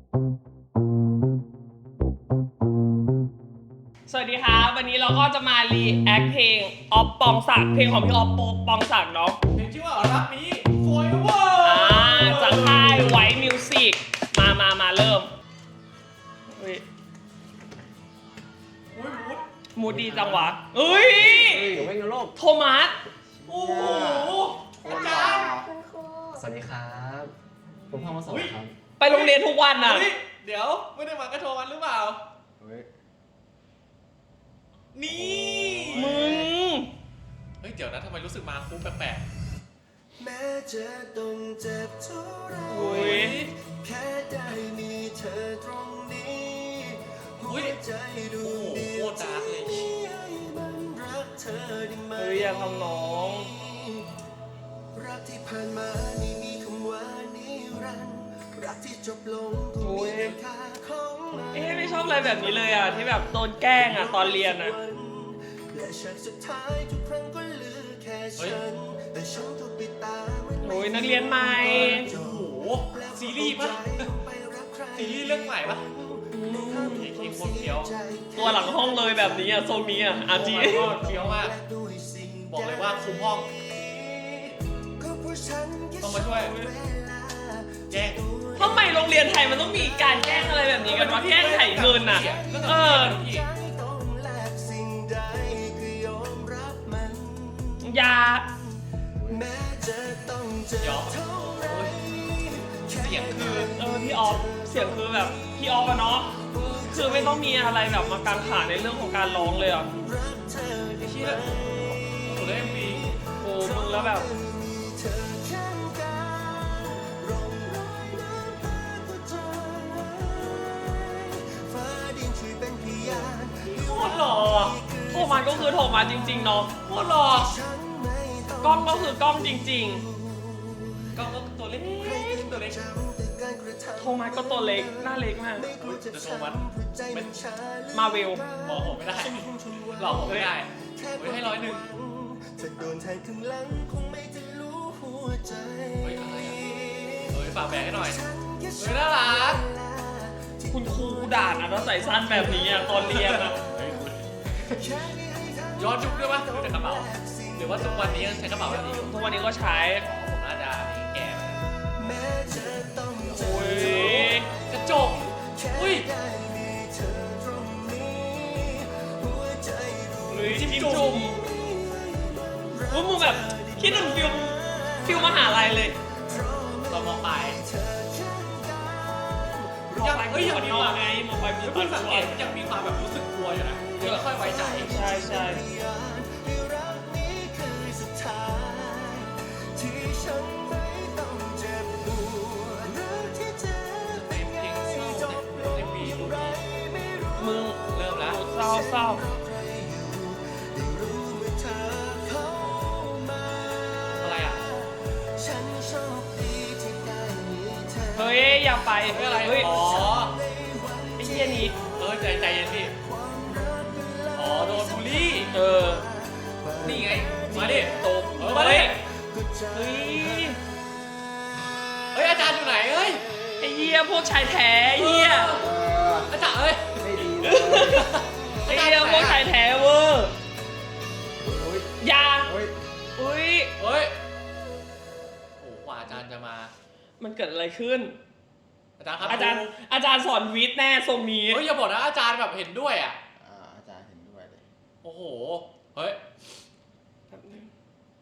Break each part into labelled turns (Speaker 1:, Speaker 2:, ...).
Speaker 1: สวัสดีครับวันนี้เราก็จะมารีแอคเพลงออฟปองศักดิ์เพลงของพี่ออฟปองศักดิ์เนาะ
Speaker 2: เพลงชื่อว่ารักนี้โฟยเวอร์
Speaker 1: จากค่ายไวท์มิวสิกมาเริ่มมูดดีจังวะเอ้ย
Speaker 3: เดี๋ยวไม่งั้นโลก
Speaker 1: โทมัส
Speaker 2: โอ้โหอาจารย์
Speaker 4: คุณครู
Speaker 3: สวัสดีครับผมพ่อมาสอนครับ
Speaker 1: ไปโรงเรียนทุกวันน่ะ
Speaker 2: เฮ้ยเดี๋ยวไม่ได้มากระโชว์มันหรือเปล่า
Speaker 3: เฮ้ย
Speaker 2: นี่
Speaker 1: มึง
Speaker 2: เฮ้ยเดี๋ยวนะทำไมรู้สึกมาคุ้มแปลก
Speaker 5: แม้จะต้องเจ็บเท่าไร
Speaker 1: อุ้ย
Speaker 5: แค่ได้มีเธอตรงนี้หัวใจดวงเดียวที่มีให้มันรักเธอได้ไหม
Speaker 1: เฮ้ยอย่าทำน้อง
Speaker 5: รักที่ผ่านมาไม่มีคำว่านิรันดร์รักที่จบลงก็มีคุณค่าของมัน
Speaker 1: ไม่ชอบอะไรแบบนี้เลยอ่ะที่แบบโดนแกล้งอ่ะตอนเรียนอ่ะ
Speaker 5: และฉากสุดท้ายทุกครั้งก็เหลือแค่ฉันแต่ฉันถูกปิดตาเหมือน
Speaker 1: โอ้ยนักเรียนใหม่
Speaker 2: ๆโอ้โหซีรีส์ปะซีรีส์เรื่องใหม่ปะเพลงโคตรเฟี้ยว
Speaker 1: ตัวหลังห้องเลยแบบนี้อ่ะทรงนี้อ่ะอาจี
Speaker 2: ก็เฟี้ยวมากบอกเลยว่าคุมห้องต้องมาช่วยแจ้ง
Speaker 1: ทำไมโรงเรียนไทยมันต้องมีการแกล้งอะไรแบบนี้กันวะแกล้งไถ่เงินอ่ะอยา
Speaker 2: เดี๋ยวโอ้ยเสียงคือ
Speaker 1: พี่ออฟเสียงคือแบบพี่ออฟอะเนาะคือไม่ต้องมีอะไรแบบมากังขาในเรื่องของการร้องเลยอ่ะ
Speaker 2: เชี่ยสุดเลยมี
Speaker 1: โอ้มึงแล้วแบบ โคตรหล่อโทมัสก็คือโทมัสจริงๆเนาะ
Speaker 2: โคตรหล่อก
Speaker 1: ล้องก็คือกล้องจริง
Speaker 2: ก็ตัวเล็กตัวเล็ก
Speaker 1: ๆ โทมัสก็ตัวเล็กหน้าเล็กมาก
Speaker 2: จะโทมัสเป็น
Speaker 1: มาเวล
Speaker 2: บอกผมไม่ได้หลอกผมไม่ได้เฮ้ยให้100
Speaker 5: จะโดนแทงข้างหลังคงไม่จะรู้หัวใจ
Speaker 2: เฮ้ยอะไรอ่ะเฮ้ยฝากแบกให้หน่อยเฮ้ยน่ารัก
Speaker 1: คุณครูด่านะถ้าใส่สั้นแบบนี้อะตอนเรียนอะ
Speaker 2: ย้อนยุคด้วยปะดูแต่กระเป๋าหรือว่าทุกวันนี้ยังใช้กระเป๋าแบบนี้อยู่
Speaker 1: ทุกวันนี้ก็ใช้
Speaker 2: ผมน่าจะแก่ไป
Speaker 1: โอ้ย
Speaker 2: กระจกอุ้ย
Speaker 1: หรือจิ้มจุ่มว่ามึงแบบคิดถึงฟิลมหาลัยเลย
Speaker 2: ตอนมปลาย
Speaker 1: ยังเฮ้ยอย่างนี้ว่าไงมองไปมี
Speaker 2: แล้ว
Speaker 1: ปั
Speaker 2: เพิ่
Speaker 1: น
Speaker 2: งสังเกตยังมีความแบบรู้สึกกลัวอยู่นะเดี๋ยวค่อยไว้ใจ
Speaker 1: ใช่ใช่
Speaker 2: เป็นเพลงเศร้าในปีนี้
Speaker 1: มึง
Speaker 2: เริ่มแล้ว
Speaker 1: เศร้า
Speaker 2: อะไรอ่ะ
Speaker 1: เฮ้ยอย่าไป
Speaker 2: เฮ้ยอะไร
Speaker 1: เฮ้ย
Speaker 2: อ๋อ
Speaker 1: ไอ้เหี้ยนี้
Speaker 2: ใจเย็นพี่อ๋อโดนบูลลี่
Speaker 1: นี่
Speaker 2: นี่ไงมาดิ
Speaker 1: ตก
Speaker 2: มาดิ
Speaker 1: เฮ้ย
Speaker 2: เฮ้ยอาจารย์อยู่ไหนเฮ้ย
Speaker 1: ไอ้เหี้ยพวกชายแท้ไอ้เหี้ย
Speaker 2: อาจารย์เฮ้ย
Speaker 3: ไม่ดีเลย
Speaker 1: ไอ้เหี้ยพวกชายแท้เวอร์อย่า
Speaker 3: เฮ้ย
Speaker 1: อุ้ย
Speaker 2: เฮ้ยโอ้กว่าอาจารย์จะมา
Speaker 1: มันเกิดอะไรขึ้น
Speaker 2: อาจารย์ครับ
Speaker 1: อาจารย์สอนวิทย์แน่ทรงนี้
Speaker 2: เฮ้ยอย่าบอกนะอาจารย์แบบเห็นด้วยอ่ะ
Speaker 3: อาจารย์เห็นด้วยเลย
Speaker 2: โอ้โหเฮ้ย
Speaker 1: แป๊บนึง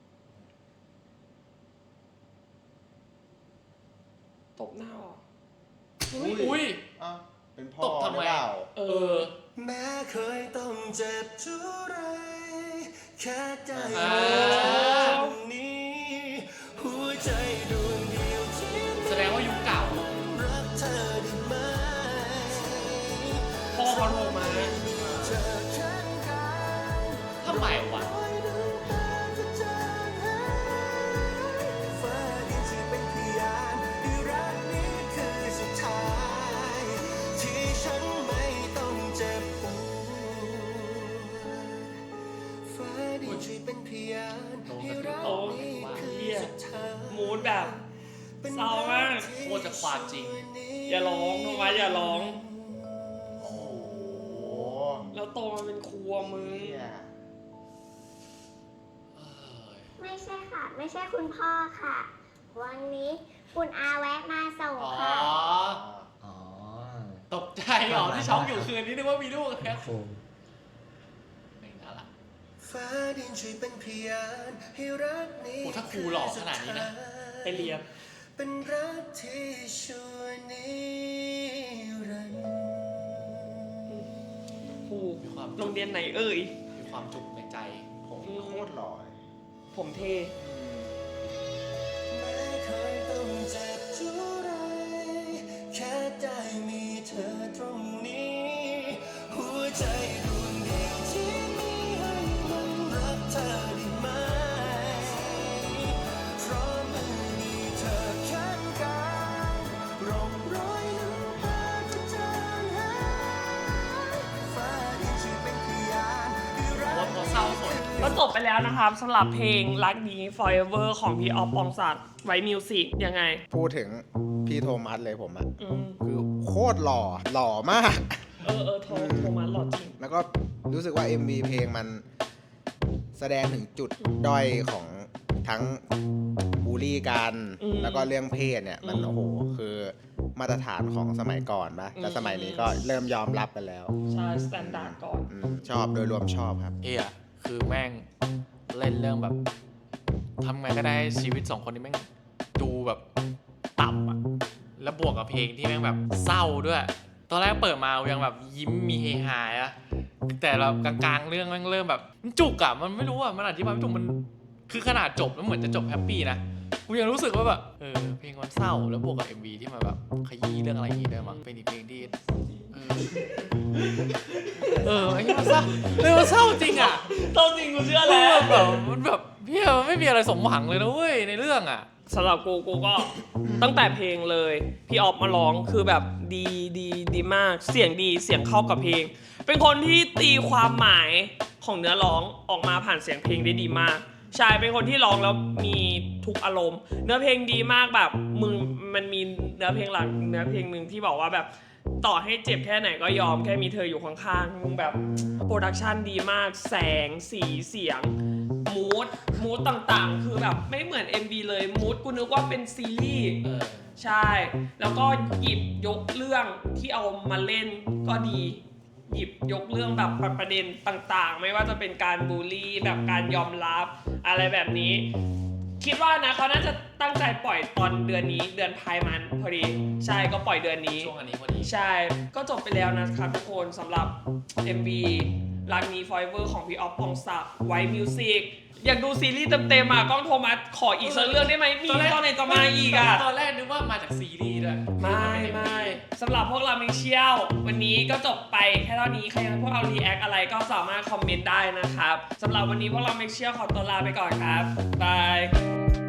Speaker 1: ตบหน้าเหรอ
Speaker 2: อุ้ย
Speaker 3: อ้าวเป็นพ่อ
Speaker 2: ตบทำไม
Speaker 3: หรือเปล่า
Speaker 1: เออ
Speaker 5: แม้เคยต้องเจ็บเท่าไรแค่ได้
Speaker 2: อ่า
Speaker 5: ตรงนี้หัวใจดวงเดียวที่
Speaker 2: แสดงว่ายุคเก่า
Speaker 5: รักเธอได้ไหม
Speaker 1: พ่อเขาโทรมา
Speaker 5: เธอข้างกาย
Speaker 2: ทำไมวะ
Speaker 5: ฟ้าดินที่เป็นพยานที่รักนี้คือสุดท้ายที่ฉันไม่ต้องเจ็บปวดฟ้าดินที่เป็นพยานที่รักนี้คือสุดท้าย
Speaker 1: มูดแบบเศร้ามาก
Speaker 2: โคตรจะความจริง
Speaker 5: วันนี้
Speaker 1: อย่าร้องโทมัสอย่าร้อง
Speaker 3: โอ้โห
Speaker 1: แล้วโตมาเป็นครัวมึง
Speaker 3: เนี่ย
Speaker 4: ไม่ใช่ค่ะ ไม่ใช่คุณพ่อค่ะ วันนี้คุณอาแวะมาส่ง
Speaker 2: อ๋อ
Speaker 4: ค่ะ
Speaker 3: อ๋อ
Speaker 2: ตกใจเหรอที่ช็อกอยู่คืนนี้นึกว่ามีลูกแล้ว
Speaker 6: โอ้
Speaker 2: ไม่น่าละ
Speaker 5: ฟ้าดินช่วยเป็นพยานให้รักนี้
Speaker 2: โอ้ถ้าครูหล่อขนาดนี้นะ
Speaker 1: ไปเรียน
Speaker 5: เป็นรักที่ชั่วนิรันดร์
Speaker 1: ครูโรงเรียนไหนเอ่ย
Speaker 2: มีความจุกในใจ
Speaker 3: ผมโคตรหล่อเลย
Speaker 1: ผมเท
Speaker 5: แม้เคยต้องเจ็บจุไรแค่ได้มีเธอตรงนี้ หัวใจดวงเดียวที่มีให้มันรักเธอได้ไหมเพราะเมื่อมีเธอข้างกายร่องรอยน้ำตาจะจางหายฟ้าดินช่วยเป็นพยานให้รั
Speaker 2: ว่าก พอเศร้าสด
Speaker 1: ก็จบไปแล้วนะครับสำหรับเพลงรักนี้ Forever ของพี่ออฟปองศักดิ์ไว้มิวสิกยังไง
Speaker 3: พูดถึงพี่โทมัสเลยผมอะ
Speaker 1: อืม
Speaker 3: คือโคตรหล่อมาก
Speaker 1: โทมัสหล่อจริง
Speaker 3: แล้วก็รู้สึกว่า MV เพลงมันแสดงถึงจุดด้อยของทั้งบูลลี่กัน
Speaker 1: อืม
Speaker 3: แล้วก็เรื่องเพศเนี่ยมัน
Speaker 1: อืม
Speaker 3: โอ้โหคือมาตรฐานของสมัยก่อนปะแต่
Speaker 1: อืม
Speaker 3: สมัยนี้ก็เริ่มยอมรับกันแล้ว
Speaker 1: ใช่สแตนดาร์ดก่อน
Speaker 3: ชอบโดยรวมชอบครับ
Speaker 2: คือแม่งเล่นเรื่องแบบทำไงก็ได้ให้ชีวิตสองคนนี้แม่งดูแบบต่ำอะแล้วบวกกับเพลงที่แม่งแบบเศร้าด้วย ตอนแรกเปิดมายังแบบยิ้มมีเฮฮาอะแต่แบบกลางๆเรื่องแม่งเริ่มแบบมันจุกอะมันไม่รู้อะมันอธิบายไม่ถูกมันคือขนาดจบแล้วเหมือนจะจบแฮปปี้นะกูยังรู้สึกว่าแบบเพลงมันเศร้าแล้วบวกกับ MV ที่มันแบบขยี้เรื่องอะไรอย่างงี้ด้วยมั้งเป็นอีกเพลงที่ไอ้เหี้ยมันเศร้ามันเศร้าจริงอะ
Speaker 1: ต้นจริงกูเชื่อแล้ว
Speaker 2: แบบมันแบบพี่ไม่มีอะไรสมหวังเลยนะเว้ยในเรื่องอ่ะ
Speaker 1: สำหรับกูก็ตั้งแต่เพลงเลยพี่ออฟมาร้องคือแบบดีมากเสียงดีเสียงเข้ากับเพลง เป็นคนที่ตีความหมายของเนื้อร้องออกมาผ่านเสียงเพลงได้ดีมากใช่เป็นคนที่ร้องแล้วมีทุกอารมณ์ เนื้อเพลงดีมากแบบมึงมันมีเนื้อเพลงหลักเนื้อเพลงหนึ่งที่บอกว่าแบบต่อให้เจ็บแค่ไหนก็ยอมแค่มีเธออยู่ข้างๆมึงแบบโปรดักชันดีมากแสงสีเสียงมูดต่างๆคือแบบไม่เหมือน MV เลยมูดกูนึกว่าเป็นซีรีส์ใช่ แล้วก็หยิบยกเรื่องที่เอามาเล่นก็ดี หยิบยกเรื่องแบบประเด็นต่างๆ ไม่ว่าจะเป็นการบูลลี่แบบการยอมรับอะไรแบบนี้ คิดว่านะเขาน่าจะตั้งใจปล่อยตอนเดือนนี้เดือนพายมันพอดีใช่ก็ปล่อยเดือนนี้
Speaker 2: ช่วงอันนี้พอดี
Speaker 1: ใช่ก็จบไปแล้วนะครับทุกคนสำหรับ MV รักนี้ Forever ของพี่ออฟปองศักดิ์ไว้มิวสิกอยากดูซีรีส์เต็มๆอ่ะกล้องโทมัสขออีกสักเรื่องได้ไหมมีตอนไหนจะมาอีกอ่ะ
Speaker 2: ตอนแรกนึกว่ามาจากซีรีส์ด้วย
Speaker 1: ไม่สำหรับพวกเรามิเชียลวันนี้ก็จบไปแค่เท่านี้ใครอยากให้พวกเรารีแอคอะไรก็สามารถคอมเมนต์ได้นะครับสำหรับวันนี้พวกเรามิเชียลขอตัวลาไปก่อนครับบาย